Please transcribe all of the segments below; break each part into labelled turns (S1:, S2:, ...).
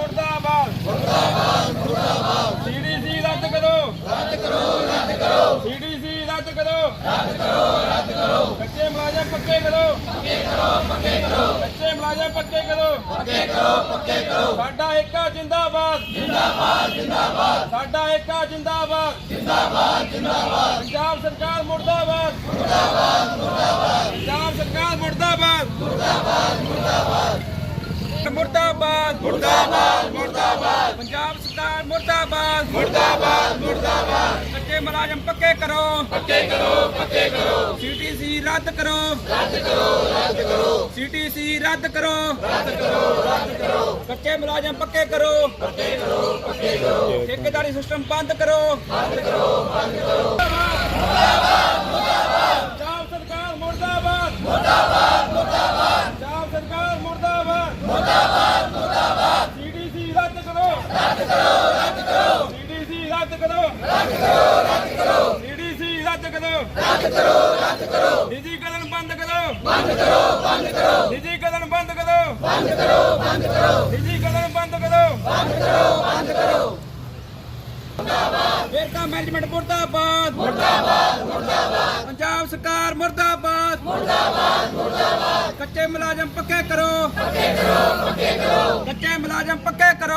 S1: मुर्दाबाद सीडीसी रद्द करो सीडीसी रद्द करो कच्चे मुलाजम पक्के करो कच्चे मुलाजम पक्के करो साडा एका जिंदाबाद साडा एका जिंदाबाद पंजाब सरकार मुर्दाबाद पंजाब सरकार मुर्दाबाद मुर्दाबाद मुर्दाबाद मुर्दाबाद पंजाब सरकार मुर्दाबाद मुर्दाबाद मुर्दाबाद कच्चे मुलाजम पक्के करो सीटीसी रद्द करो सीटीसी रद्द करो कच्चे मुलाजम पक्के करो ठेकेदारी सिस्टम बंद करो पंजाब सरकार मुर्दाबाद पंजाब सरकार मुर्दाबाद सीडीसी रद्द करो सीडीसी रद्द करो सीडीसी रद्द करो निजीकरण बंद करो निजीकरण बंद करो निजीकरण बंद करो वेरका मैनेजमेंट मुर्दाबाद पंजाब सरकार मुर्दाबाद कच्चे मुलाजम पक्के करो कच्चे मुलाजम पक्के करो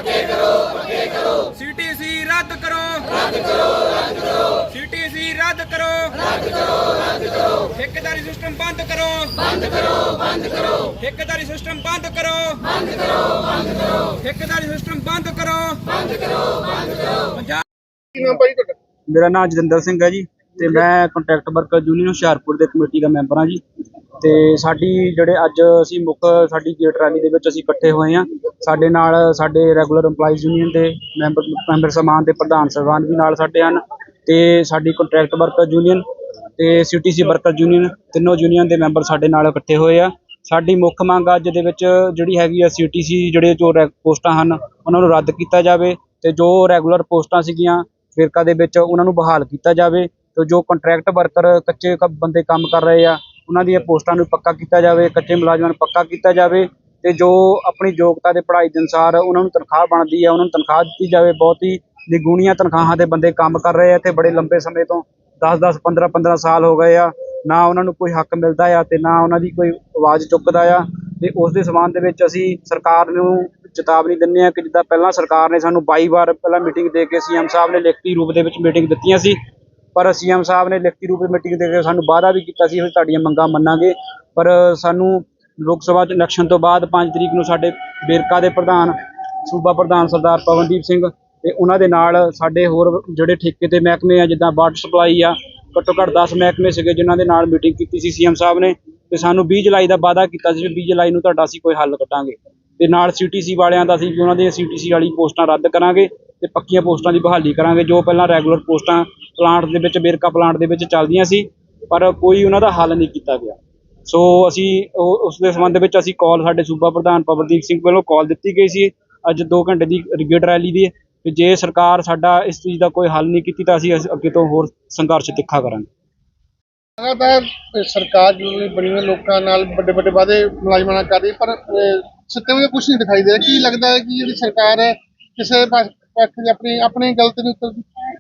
S1: सीटीसी रद्द करो सीटीसी रद्द करो ठेकेदारी सिस्टम बंद करो ठेकेदारी सिस्टम बंद करो ठेकेदारी सिस्टम बंद करो
S2: मेरा नाम जतिंदर सिंह है जी ਤੇ ਮੈਂ ਕੰਟਰੈਕਟ ਵਰਕਰ ਯੂਨੀਅਨ ਹੁਸ਼ਿਆਰਪੁਰ ਦੇ ਕਮੇਟੀ ਦਾ ਮੈਂਬਰ ਹਾਂ ਜੀ। ਤੇ ਸਾਡੀ ਜਿਹੜੇ ਅੱਜ ਅਸੀਂ ਮੁੱਖ ਸਾਡੀ ਗੇਟ ਰੈਲੀ ਦੇ ਵਿੱਚ ਅਸੀਂ ਇਕੱਠੇ ਹੋਏ ਹਾਂ। ਸਾਡੇ ਨਾਲ ਸਾਡੇ ਰੈਗੂਲਰ EMPLOYEES ਯੂਨੀਅਨ ਦੇ ਮੈਂਬਰ ਸਮਾਨ ਦੇ ਪ੍ਰਧਾਨ ਸਾਹਿਬਾਨ ਵੀ ਨਾਲ ਸਾਡੇ ਹਨ ਤੇ ਸਾਡੀ ਕੰਟਰੈਕਟ ਵਰਕਰ ਯੂਨੀਅਨ ਤੇ CTC ਵਰਕਰ ਯੂਨੀਅਨ ਤਿੰਨੋਂ ਯੂਨੀਅਨ ਦੇ ਮੈਂਬਰ ਸਾਡੇ ਨਾਲ ਇਕੱਠੇ ਹੋਏ ਆ। ਸਾਡੀ ਮੁੱਖ ਮੰਗ ਅੱਜ ਦੇ ਵਿੱਚ ਜਿਹੜੀ ਹੈਗੀ ਆ CTC ਜਿਹੜੇ ਜੋ ਪੋਸਟਾਂ ਹਨ ਉਹਨਾਂ ਨੂੰ ਰੱਦ ਕੀਤਾ ਜਾਵੇ ਤੇ ਜੋ ਰੈਗੂਲਰ ਪੋਸਟਾਂ ਸੀਗੀਆਂ ਫਿਰਕਾ ਦੇ ਵਿੱਚ ਉਹਨਾਂ ਨੂੰ ਬਹਾਲ ਕੀਤਾ ਜਾਵੇ ਤੇ ਜੋ ਕੰਟਰੈਕਟ ਵਰਕਰ ਕੱਚੇ ਬੰਦੇ ਕੰਮ ਕਰ ਰਹੇ ਆ ਉਹਨਾਂ ਦੀਆਂ ਪੋਸਟਾਂ ਨੂੰ ਪੱਕਾ ਕੀਤਾ ਜਾਵੇ, ਕੱਚੇ ਮੁਲਾਜ਼ਮਾਂ ਨੂੰ ਪੱਕਾ ਕੀਤਾ ਜਾਵੇ ਤੇ ਜੋ ਆਪਣੀ ਯੋਗਤਾ ਦੇ ਪੜ੍ਹਾਈ ਦੇ ਅਨੁਸਾਰ ਉਹਨਾਂ ਨੂੰ ਤਨਖਾਹ ਬਣਦੀ ਆ ਉਹਨਾਂ ਨੂੰ ਤਨਖਾਹ ਦਿੱਤੀ ਜਾਵੇ। ਬਹੁਤ ਹੀ ਨਿਗੂਣੀਆਂ ਤਨਖਾਹਾਂ ਦੇ ਬੰਦੇ ਕੰਮ ਕਰ ਰਹੇ ਆ ਇੱਥੇ ਬੜੇ ਲੰਬੇ ਸਮੇਂ ਤੋਂ 10-10 15-15 ਸਾਲ ਹੋ ਗਏ ਆ, ਨਾ ਉਹਨਾਂ ਨੂੰ ਕੋਈ ਹੱਕ ਮਿਲਦਾ ਆ ਤੇ ਨਾ ਉਹਨਾਂ ਦੀ ਕੋਈ ਆਵਾਜ਼ ਚੁੱਕਦਾ ਆ। ਤੇ ਉਸ ਦੇ ਸਬੰਧ ਦੇ ਵਿੱਚ ਅਸੀਂ ਸਰਕਾਰ ਨੂੰ ਚੇਤਾਵਨੀ ਦਿੰਦੇ ਹਾਂ ਕਿ ਜਿੱਦਾਂ ਪਹਿਲਾਂ ਸਰਕਾਰ ਨੇ ਸਾਨੂੰ 22 ਵਾਰ ਪਹਿਲਾਂ ਮੀਟਿੰਗ ਦੇ ਕੇ CM ਸਾਹਿਬ ਨੇ ਲਿਖਤੀ ਰੂਪ ਦੇ ਵਿੱਚ ਮੀਟਿੰਗ ਦਿੱਤੀਆਂ ਸੀ, ਪਰ CM ਸਾਹਿਬ ਨੇ ਲਿਖਤੀ ਰੂਪ ਵਿੱਚ ਮੀਟਿੰਗ ਦੇ ਕੇ ਸਾਨੂੰ ਵਾਅਦਾ ਵੀ ਕੀਤਾ ਸੀ ਅਸੀਂ ਤੁਹਾਡੀਆਂ ਮੰਗਾਂ ਮੰਨਾਂਗੇ। ਪਰ ਸਾਨੂੰ ਲੋਕ ਸਭਾ ਇਲੈਕਸ਼ਨ ਤੋਂ ਬਾਅਦ 5 ਤਰੀਕ ਨੂੰ ਸਾਡੇ ਵੇਰਕਾ ਦੇ ਪ੍ਰਧਾਨ ਸੂਬਾ ਪ੍ਰਧਾਨ ਸਰਦਾਰ ਪਵਨਦੀਪ ਸਿੰਘ ਤੇ ਉਹਨਾਂ ਦੇ ਨਾਲ ਸਾਡੇ ਹੋਰ ਜਿਹੜੇ ਠੇਕੇ ਤੇ ਮਹਿਕਮੇ ਆ ਜਿੱਦਾਂ ਵਾਟਰ ਸਪਲਾਈ ਆ ਘੱਟੋ ਘੱਟ 10 ਮਹਿਕਮੇ ਸੀਗੇ ਜਿਨ੍ਹਾਂ ਦੇ ਨਾਲ ਮੀਟਿੰਗ ਕੀਤੀ ਸੀ CM ਸਾਹਿਬ ਨੇ ਤੇ ਸਾਨੂੰ 20 ਜੁਲਾਈ ਦਾ ਵਾਅਦਾ ਕੀਤਾ ਸੀ 20 ਜੁਲਾਈ ਨੂੰ ਤੁਹਾਡਾ ਅਸੀਂ ਕੋਈ ਹੱਲ ਕੱਢਾਂਗੇ ਤੇ ਨਾਲ CTC ਵਾਲਿਆਂ ਦਾ ਅਸੀਂ ਉਹਨਾਂ ਦੀਆਂ CTC ਵਾਲੀ ਪੋਸਟਾਂ ਰੱਦ ਕਰਾਂਗੇ ਤੇ ਪੱਕੀਆਂ ਪੋਸਟਾਂ ਦੀ ਬਹਾਲੀ ਕਰਾਂਗੇ। ਜੋ ਪਹਿਲਾਂ ਰੈਗੂਲਰ ਪੋਸਟਾਂ ਪਲਾਂਟ ਦੇ ਵਿੱਚ ਵੇਰਕਾ ਪਲਾਂਟ ਦੇ ਵਿੱਚ ਚੱਲਦੀਆਂ ਸੀ ਪਰ ਕੋਈ ਉਹਨਾਂ ਦਾ ਹੱਲ ਨਹੀਂ ਕੀਤਾ ਗਿਆ। ਸੋ ਅਸੀਂ ਉਸ ਦੇ ਸੰਬੰਧ ਵਿੱਚ ਅਸੀਂ ਕਾਲ ਸਾਡੇ ਸੂਬਾ ਪ੍ਰਧਾਨ ਪਵਨਦੀਪ ਸਿੰਘ ਵੱਲੋਂ ਕਾਲ ਦਿੱਤੀ ਗਈ ਸੀ ਅੱਜ 2 ਘੰਟੇ ਦੀ ਗੇਟ ਰੈਲੀ ਦੀ ਤੇ ਜੇ ਸਰਕਾਰ ਸਾਡਾ ਇਸ ਚੀਜ਼ ਦਾ ਕੋਈ ਹੱਲ ਨਹੀਂ ਕੀਤੀ ਤਾਂ ਅਸੀਂ ਅੱਗੇ ਤੋਂ ਹੋਰ ਸੰਘਰਸ਼ ਤਿੱਖਾ ਕਰਾਂਗੇ।
S3: ਲਗਾਤਾਰ ਸਰਕਾਰ ਜਿਹੜੀ ਬਣੀ ਹੋਈ ਲੋਕਾਂ ਨਾਲ ਵੱਡੇ ਵੱਡੇ ਵਾਅਦੇ ਮੁਲਾਜ਼ਮਾਂ ਨਾਲ ਕਰ ਰਹੀ ਪਰ ਸਿੱਟੇ ਵਿੱਚ ਕੁਝ ਨਹੀਂ ਦਿਖਾਈ ਦੇ ਰਿਹਾ। ਕੀ ਲੱਗਦਾ ਹੈ ਕਿ ਜਿਹੜੀ ਸਰਕਾਰ ਹੈ ਕਿਸੇ ਪੱਖ ਦੀ ਆਪਣੀ ਗਲਤੀ ਦੇ ਉੱਤੇ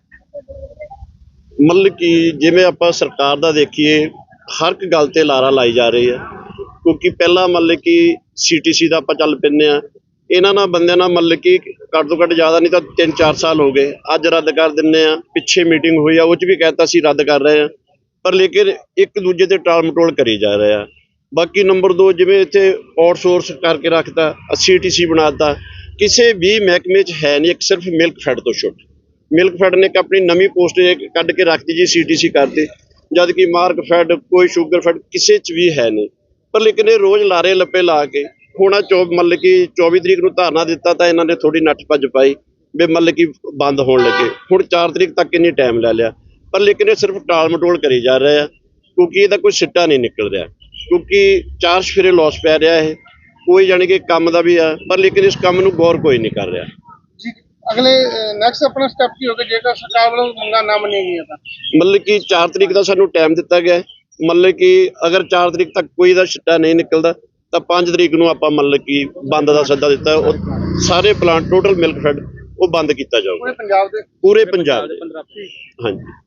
S4: ਮਤਲਬ ਕਿ ਜਿਵੇਂ ਆਪਾਂ ਸਰਕਾਰ ਦਾ ਦੇਖੀਏ ਹਰ ਇੱਕ ਗੱਲ ਤੇ ਲਾਰਾ ਲਾਈ ਜਾ ਰਹੀ ਹੈ ਕਿਉਂਕਿ ਪਹਿਲਾਂ ਮਤਲਬ ਕਿ CTC ਦਾ ਆਪਾਂ ਚੱਲ ਪੈਂਦੇ ਆ ਇਹਨਾਂ ਨਾਲ ਬੰਦਿਆਂ ਨਾਲ ਮਤਲਬ ਕਿ ਘੱਟ ਤੋਂ ਘੱਟ ਜ਼ਿਆਦਾ ਨਹੀਂ ਤਾਂ 3-4 ਸਾਲ ਹੋ ਗਏ ਅੱਜ ਰੱਦ ਕਰ ਦਿੰਦੇ ਆ। ਪਿੱਛੇ ਮੀਟਿੰਗ ਹੋਈ ਆ ਉਹ 'ਚ ਵੀ ਕਹਿਤਾ ਸੀ ਰੱਦ ਕਰ ਰਹੇ ਆ ਪਰ ਲੇਕਿਨ ਇੱਕ ਦੂਜੇ ਤੇ ਟਾਲ ਮਟੋਲ ਕਰੀ ਜਾ ਰਹੇ ਆ। ਬਾਕੀ ਨੰਬਰ 2 ਜਿਵੇਂ ਇੱਥੇ ਆਊਟਸੋਰਸ ਕਰਕੇ ਰੱਖਤਾ CTC ਬਣਾਤਾ ਕਿਸੇ ਵੀ ਮਹਿਕਮੇ 'ਚ ਹੈ ਨਹੀਂ ਇੱਕ ਸਿਰਫ ਮਿਲਕ ਫੈਡ ਤੋਂ ਛੁੱਟ ਮਿਲਕ ਫੈਡ ਨੇ ਇੱਕ ਆਪਣੀ ਨਵੀਂ ਪੋਸਟ ਕੱਢ ਕੇ ਰੱਖਤੀ ਜੀ CTC ਕਰਤੀ ਜਦ ਕਿ ਮਾਰਕ ਫੈਡ ਕੋਈ ਸ਼ੂਗਰ ਫੈਡ ਕਿਸੇ 'ਚ ਵੀ ਹੈ ਨਹੀਂ ਪਰ ਲੇਕਿਨ ਇਹ ਰੋਜ਼ ਲਾਰੇ ਲੱਪੇ ਲਾ ਕੇ ਹੁਣ ਮਤਲਬ ਕਿ 24 ਤਰੀਕ ਨੂੰ ਧਾਰਨਾ ਦਿੱਤਾ ਤਾਂ ਇਹਨਾਂ ਨੇ ਥੋੜੀ ਨੱਠ ਭੱਜ ਪਾਈ ਵੀ ਮਤਲਬ ਕਿ ਬੰਦ ਹੋਣ ਲੱਗੇ ਹੁਣ 4 ਤਰੀਕ ਤੱਕ ਇੰਨੀ ਟਾਈਮ ਲੈ ਲਿਆ ਪਰ ਲੇਕਿਨ ਇਹ ਸਿਰਫ ਟਾਲ ਮਟੋਲ ਕਰੀ ਜਾ ਰਹੇ ਆ ਕਿਉਂਕਿ ਇਹਦਾ ਕੋਈ ਸਿੱਟਾ ਨਹੀਂ ਨਿਕਲ ਰਿਹਾ ਕਿਉਂਕਿ 4 ਸਫੇਰੇ ਲੋਸ ਪੈ ਰਿਹਾ ਇਹ ਕੋਈ ਜਾਣੀ ਕਿ ਕੰਮ ਦਾ ਵੀ ਆ ਪਰ ਲੇਕਿਨ ਇਸ ਕੰਮ ਨੂੰ ਗੌਰ ਕੋਈ ਨਹੀਂ ਕਰ ਰਿਹਾ
S3: ਜੀ। ਅਗਲੇ ਨੈਕਸਟ ਆਪਣਾ ਸਟੈਪ ਕੀ ਹੋਗਾ ਜੇਕਰ ਸਰਕਾਰ ਵੱਲੋਂ ਮੰਗਾਂ ਨਾ ਮੰਨੀਆਂ ਗਈਆਂ ਤਾਂ?
S4: ਮਤਲਬ ਕਿ 4 ਤਰੀਕ ਦਾ ਸਾਨੂੰ ਟਾਈਮ ਦਿੱਤਾ ਗਿਆ ਮਤਲਬ ਕਿ ਅਗਰ 4 ਤਰੀਕ ਤੱਕ ਕੋਈ ਦਾ ਸਿੱਟਾ ਨਹੀਂ ਨਿਕਲਦਾ ਤਾਂ 5 ਤਰੀਕ ਨੂੰ ਆਪਾਂ ਮਤਲਬ ਕਿ ਬੰਦ ਦਾ ਸੱਦਾ ਦਿੱਤਾ। ਉਹ ਸਾਰੇ ਪਲਾਂਟ ਟੋਟਲ ਮਿਲਕ ਫੈਡ ਉਹ ਬੰਦ ਕੀਤਾ ਜਾਊਗਾ
S3: ਪੂਰੇ ਪੰਜਾਬ ਦੇ
S4: ਪੂਰੇ ਪੰਜਾਬ ਦੇ। ਹਾਂਜੀ।